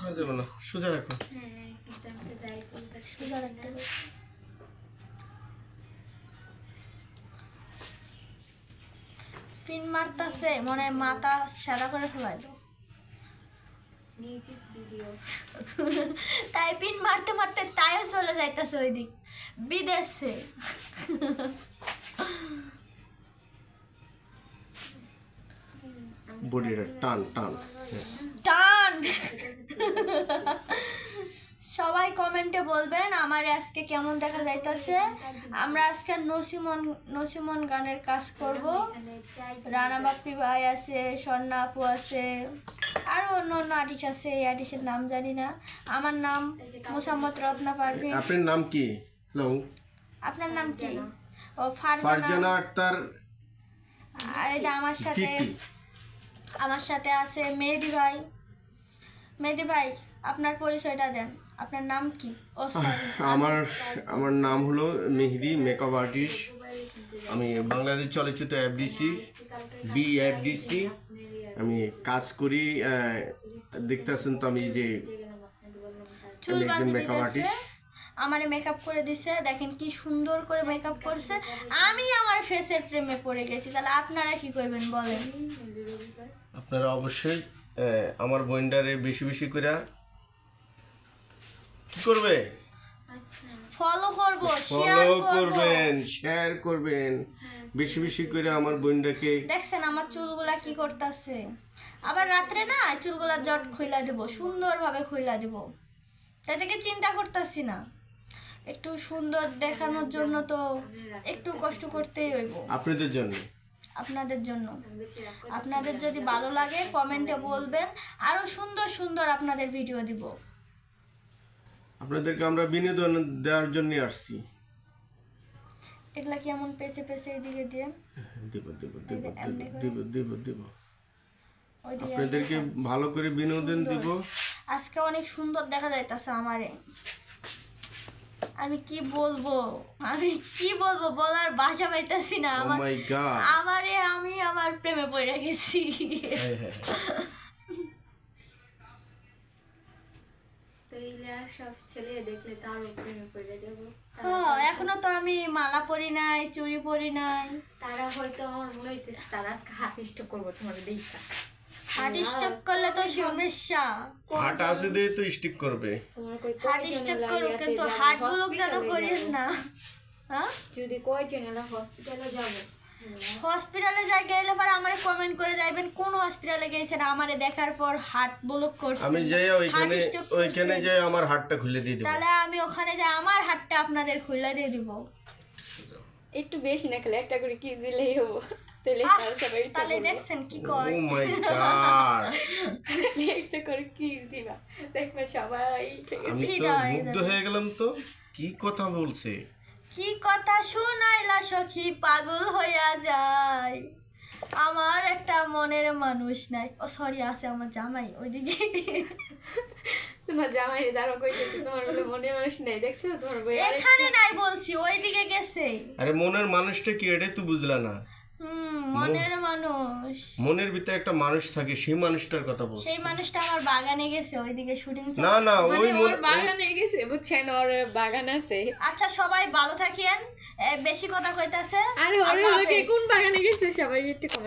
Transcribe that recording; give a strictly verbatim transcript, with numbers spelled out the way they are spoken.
করা যাবে না, সোজা রাখো। হ্যাঁ কিন্তু আমি তো যাই করি তার সোজা রাখতে হবে। পিন মারতাছে মনে মাথা সাদা করে ফেলাই দাও। মিউজিক ভিডিও তাই পিন মারতে মারতে তাইও চলে যাইতেছে ওই দিক বিদেশে। বডিটা টান টান টান। সবাই কমেন্টে বলবেন আমার আজকে কেমন দেখা যাইতেছে। আমরা আজকে নসিমন নসিমন গানের কাজ করব। রানা বাপ্পি ভাই আছে, স্বর্ণা আপু আছে, আরো অন্য অন্য আর্টিস্ট আছে। এই আর্টিস্টের নাম জানি না। আমার নাম মোসাম্মদ রত্না পারভিন। আপনার নাম কি? হ্যালো, আপনার নাম কি? ও ফারজানা ফারজানা আক্তার। আর এই যে আমার সাথে আমার সাথে আছে মেহেদি ভাই। মেহেদি ভাই আপনার পরিচয়টা দেন, আপনার নাম কি? ও সরি, আমার আমার নাম হলো মেহেদি, মেকআপ আর্টিস্ট। আমি বাংলাদেশ চলচ্চিত্র এফডিসি বি এফডিসি আমি কাজ করি। দেখতেছেন তো আমি যে চুল আমি একজন বাঁধি মেকআপ দিতেছে, আর্টিস্ট। আমারে মেকআপ করে দিছে। দেখেন কি সুন্দর করে মেকআপ করছে। আমি আমার ফেসের প্রেমে পড়ে গেছি। তাহলে আপনারা কি করবেন বলেন? আপনারা অবশ্যই আহ, আমার বইন্ডারে বেশি বেশি করে কি করবে, ফলো করব, শেয়ার ফলো করব। করবেন, শেয়ার করবেন বেশি বেশি করে আমার বইন্ডাকে। দেখছেন আমার চুলগুলা কি করতেছে। আবার রাত্রে না চুলগুলা জট খুইলা দেব, সুন্দরভাবে খুইলা দেব। তাই থেকে চিন্তা করতেছি না। একটু সুন্দর দেখানোর জন্য তো একটু কষ্ট করতেই হইব আপনাদের জন্য, আপনাদের জন্য। আপনাদের যদি ভালো লাগে কমেন্টে বলবেন, আরো সুন্দর সুন্দর আপনাদের ভিডিও দিব। আপনাদেরকে আমরা বিনোদন দেওয়ার জন্য আসছি। এগুলা কি এমন পেছে পেছে এইদিকে দিয়ে দেব দেব দেব দেব দেব দেব দেব ওইদিকে আপনাদেরকে ভালো করে বিনোদন দিব। আজকে অনেক সুন্দর দেখা যাইতাছে আমারে। আমি কি বলবো, আমি কি বলবো বলার ভাষা পাইতাছি না। ও আমার মাই গড, আমারে আমি আমার প্রেমে পড়ে গেছি। হ্যাঁ হ্যাঁ তো এইলে আর সব ছেলে দেখলে তার প্রেমে পড়ে যাব। হ্যাঁ, এখনো তো আমি মালা পরি নাই, চুড়ি পরি নাই। তারা হয়তো আমার মনে হইতেছে তারা আজকে হাত স্টক করবো তোমার দেখা। হার্ট স্ট্রোক করলে তো সমস্যা। হাট আছে দিয়ে তো স্টিক করবে। তোমার কই হার্ট স্ট্রোক করুক কিন্তু হার্ট গুলো যেন করিস না। হ্যাঁ, যদি কয় চ্যানেল হসপিটালে যাব, হসপিটালে যাই গেলে পরে আমারে কমেন্ট করে যাইবেন কোন হসপিটালে গেছেন। আমারে দেখার পর হার্ট ব্লক করছে, আমি যাই ওইখানে ওইখানে যাই আমার হাতটা খুলে দিয়ে দেব। তাহলে আমি ওখানে যাই আমার হাতটা আপনাদের খুলে দিয়ে দিব। একটু বেশি না খেলে একটা করে কি দিলেই হবো। তাহলে আহ, তারা সবাই তাহলে দেখছেন কি ও কয়। মাই গড, একটা করে কি দিবা, দেখবে সবাই ঠিক আছে। আমি তো ফিদা হয়ে মুগ্ধ যাবে। হয়ে গেলাম। তো কি কথা বলছে, কি কথা শুনাইলা সখী, পাগল হইয়া যায়। আমার একটা মনের মানুষ নাই। ও সরি, আছে আমার জামাই ওইদিকে। তোমার জামাই দাঁড়ো কইতেছে তোমার বলে মনে মানুষ নেই, দেখছো তোমার বই এখানে নাই বলছি, ওইদিকে গেছে। আরে মনের মানুষটা কি এটাই তো বুঝলা না? হুম, মনের মানুষ। মনের ভিতরে একটা মানুষ থাকে, সেই মানুষটার কথা বলছি। সেই মানুষটা আমার বাগানে গেছে, ওইদিকে শুটিং চলে। না না, ওই মানে ওর মন- বাগানে গেছে, বুঝছেন, ওর বাগান আছে। আচ্ছা সবাই ভালো থাকেন, এ, বেশি কথা কইতাছে। আরে ওর আল্লাহ হলো কি হাফেজ। কোন বাগানে গেছে সবাই একটু